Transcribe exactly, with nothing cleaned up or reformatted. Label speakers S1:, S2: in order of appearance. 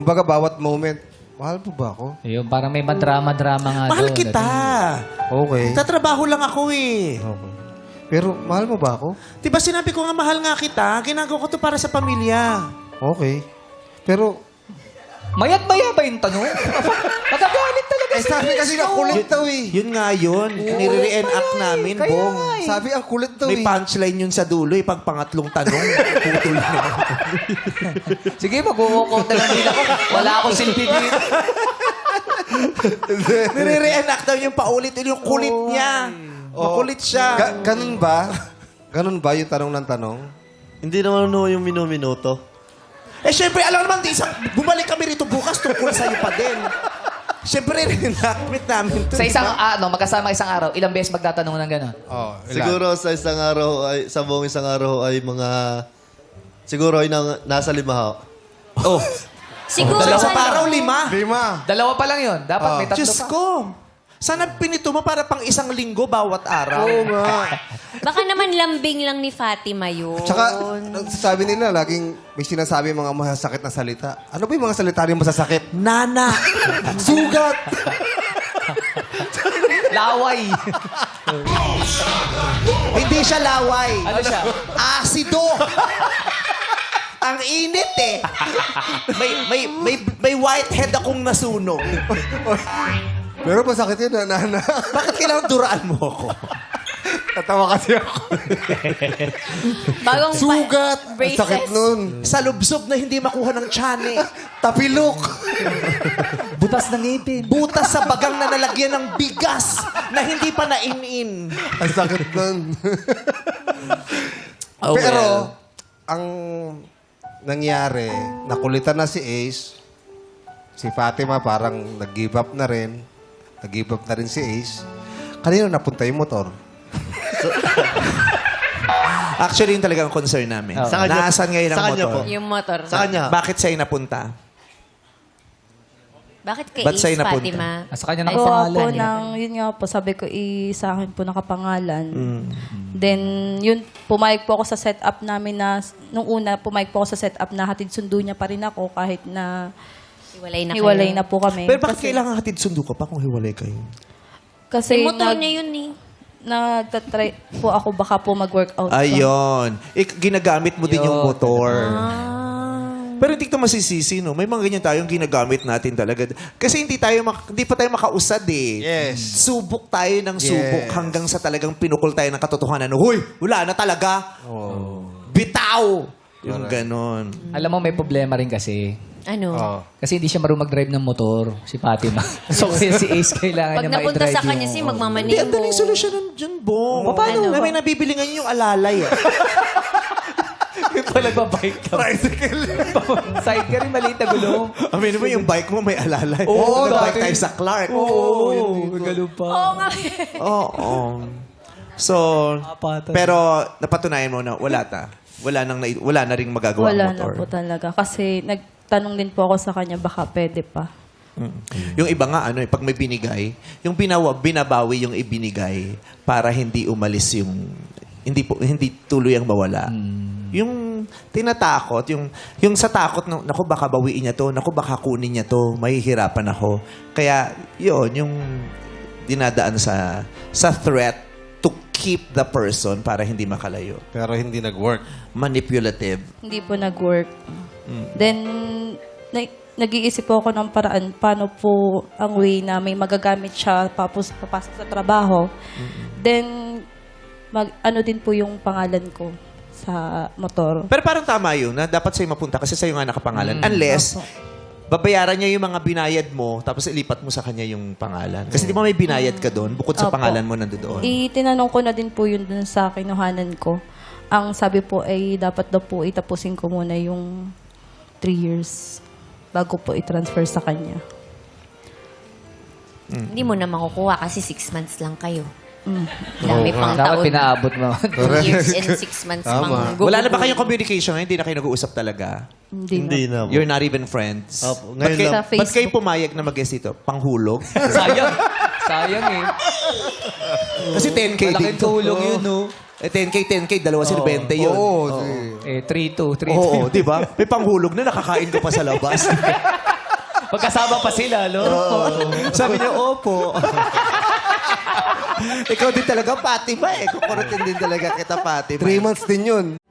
S1: Kumbaga, bawat moment, mahal po ba ako?
S2: Ayun, parang may madrama-drama nga
S3: Mahal
S2: doon.
S3: kita.
S1: Okay.
S3: Tatrabaho lang ako eh.
S1: Okay. Pero, mahal mo ba ako?
S3: Diba sinabi ko nga mahal nga kita, ginagawa ko to para sa pamilya.
S1: Okay. Pero,
S2: Mayat-maya ba yung tanong? Magagalit talaga
S1: eh, sabi kasi na kulit daw eh.
S3: Yun nga yun. Nire-reenact namin,
S2: Kaya
S3: Bong.
S2: nga eh.
S1: Sabi ang kulit daw
S3: May
S1: eh.
S3: punchline yun sa dulo eh. Pag pangatlong tanong, putol na.
S2: Sige, mag-walkout na lang din ako. Wala akong silbi dito.
S3: Nire-reenact daw yung paulit. Yung kulit niya. Makulit siya.
S1: Ga- ganun ba? Ganun ba yung tanong ng tanong?
S4: Hindi naman no yung minuminuto.
S3: Eh, syempre, alam naman, di isang, bumalik kami rito bukas tungkol sa'yo pa din. Syempre, reenactment namin to.
S2: Sa
S3: di
S2: isang,
S3: ba?
S2: ano, magkasama isang araw, ilang beses magtatanong ng gano'n?
S1: Oh,
S4: Siguro sa isang araw ay sa buong isang araw ay mga siguro ay nang, nasa lima ho.
S3: Oh,
S5: Siguro
S3: dalawa
S5: sa
S3: pa araw, lima.
S1: Lima.
S2: Dalawa pa lang yun. Dapat may tatlo
S3: Diyos
S2: pa.
S3: ko. Sana pinito mo para pang isang linggo bawat araw.
S1: Oo nga.
S5: Baka naman lambing lang ni Fatima yun.
S1: Tsaka, sabi nila, laging may sinasabi mga masasakit na salita. Ano ba yung mga salita rin masasakit?
S3: Nana.
S1: Sugat!
S2: Laway.
S3: Hindi siya laway.
S2: Ano siya?
S3: Asido. Ang init eh. May, may, may, may whitehead akong nasunog.
S1: Pero masakit yun, nana.
S3: Bakit kailangan duraan mo ako?
S1: Tatawa kasi ako.
S5: Bagong pa-
S1: Sugat! Ang
S5: braces.
S1: sakit nun.
S3: Sa lubsob na hindi makuha ng tiyan eh.
S1: Tapilok!
S2: Butas ng ngipin.
S3: Butas sa bagang na nalagyan ng bigas na hindi pa nainin.
S1: Ang sakit nun.
S3: Oh,
S1: Pero,
S3: well.
S1: ang nangyari, nakulitan na si Ace. Si Fatima parang nag-give up na rin. Nag-give up na rin si Ace. Kanino napunta yung motor?
S3: Actually, yun talaga ang concern namin.
S2: Oh.
S4: Sa kanya-
S3: Nasaan ngayon ang
S4: sa kanya
S3: motor?
S4: po.
S5: Yung motor.
S4: Sa kanya.
S3: Bakit sa'yo napunta?
S5: Bakit kay
S3: Ba't sa'yo
S5: Ace,
S3: napunta?
S5: Fatima?
S2: Ah, sa kanya
S5: Ay,
S2: nakapangalan.
S6: Gawa po
S2: yun.
S6: ng, yun nga po, sabi ko, i, sa akin po nakapangalan.
S3: Mm.
S6: Then, yun, pumayag po ako sa setup namin na, nung una, pumayag po ako sa setup na hatid sundo niya pa rin ako kahit na
S5: Hiwalay na
S6: hiwalay
S5: kayo.
S6: na po kami.
S3: Pero bakit
S6: Kasi-
S3: kailangan hatid sundo ka pa kung hiwalay kayo?
S6: Kasi
S5: Eh, motor
S6: nag,
S5: niya yun eh.
S6: nagtatry po ako baka po mag-workout. pa.
S3: Ayun. Ik- ginagamit mo din yung
S2: Yun.
S3: motor.
S5: Ah.
S3: Pero hindi ka masisisi, no? May mga ganyan tayong ginagamit natin talaga. Kasi hindi tayo mak- hindi pa tayo makausad eh.
S1: Yes.
S3: Subok tayo ng subok
S1: Yes.
S3: hanggang sa talagang pinukol tayo ng katotohanan. Huy, wala na talaga.
S1: Oh.
S3: Bitaw! Yung ganon.
S2: Alam mo, may problema rin kasi.
S5: Ano?
S1: Oh.
S2: Kasi hindi siya marunong mag-drive ng motor, si Fatima. So, kaya si Ace kailangan
S5: Pag
S2: niya
S5: napunta
S2: ma-drive
S5: sa kanya,
S2: yung-
S5: si
S3: Hindi,
S5: magmamaneho.
S3: ang daling solusyonan dyan, Bong.
S5: Paano?
S3: Na may nabibili ngayon yung alalay. Eh.
S2: Yung pala ba-bike ka.
S3: Tricycle.
S2: Side ka rin, maliit na gulong.
S3: Amin mo yung bike mo may alalay.
S2: Oo,
S3: Nag-bike
S2: dati.
S3: tayo sa Clark.
S2: Oo, yun, galo pa.
S5: Oo nga.
S3: Oo. So,
S2: Apatan.
S3: pero napatunayan mo na wala ta. Wala nang nai- wala na ring magagawa
S6: Wala
S3: ang
S6: na
S3: motor.
S6: po talaga. Kasi nagtanong din po ako sa kanya, baka pwede pa.
S3: Yung iba nga ano, eh, pag may binigay, yung binawa, binabawi yung ibinigay para hindi umalis yung hindi po hindi tuloy ang mawala. Yung tinatakot, yung yung sa takot na naku baka bawiin niya to, naku baka kunin niya to, mahihirapan ako. Kaya yun, yung dinadaan sa sa threat to keep the person para hindi makalayo.
S1: Pero hindi nag-work.
S3: Manipulative.
S6: Hindi po nag-work. Then, na- nag-iisip po ako ng paraan paano po ang way na may magagamit siya papos, papasok sa trabaho. Then, mag, ano din po yung pangalan ko sa motor.
S3: Pero parang tama yun na dapat sa'yo mapunta kasi sa'yo nga nakapangalan. Unless, babayaran niya yung mga binayad mo tapos ilipat mo sa kanya yung pangalan. Kasi di ba may binayad ka doon bukod sa
S6: Opo.
S3: pangalan mo nandoon.
S6: Itinanong ko na din po yun dun sa kinuhanan ko. Ang sabi po ay dapat daw po itapusin ko muna yung three years bago po i-transfer sa kanya.
S5: Hindi mo na makukuha kasi six months lang kayo.
S6: Mm.
S5: Dami
S1: Oo
S5: pang
S2: Dapat
S5: taon.
S2: pinaabot mo.
S5: Two years and six months
S1: Tama.
S5: mang
S3: Wala na ba
S5: gugugulo.
S3: kayong communication ngayon? Hindi na kayo nag-uusap talaga?
S6: Hindi,
S4: Hindi
S6: na.
S4: na po.
S3: You're not even friends?
S4: Opo,
S3: Ba't
S4: ngayon
S3: kayo,
S6: lang. Sa
S3: ba't kayo
S6: Facebook.
S3: pumayag na mag-guest dito? Panghulog?
S2: Sayang. Sayang eh.
S3: Kasi ten K din
S2: Malaking
S3: to.
S2: tulong yun, no?
S3: Eh, ten K, ten K, dalawa sila, twenty yun.
S1: Oo.
S3: Oo.
S1: si-
S2: Eh, three two, three
S3: Oo,
S2: two.
S3: di ba? May panghulog na, nakakain ka pa sa labas.
S2: Magkasama pa sila, no?
S3: Sabi niya, opo. Ikaw din talaga, Fatima eh. Kukurutin din talaga kita, Fatima.
S1: Three months din yun.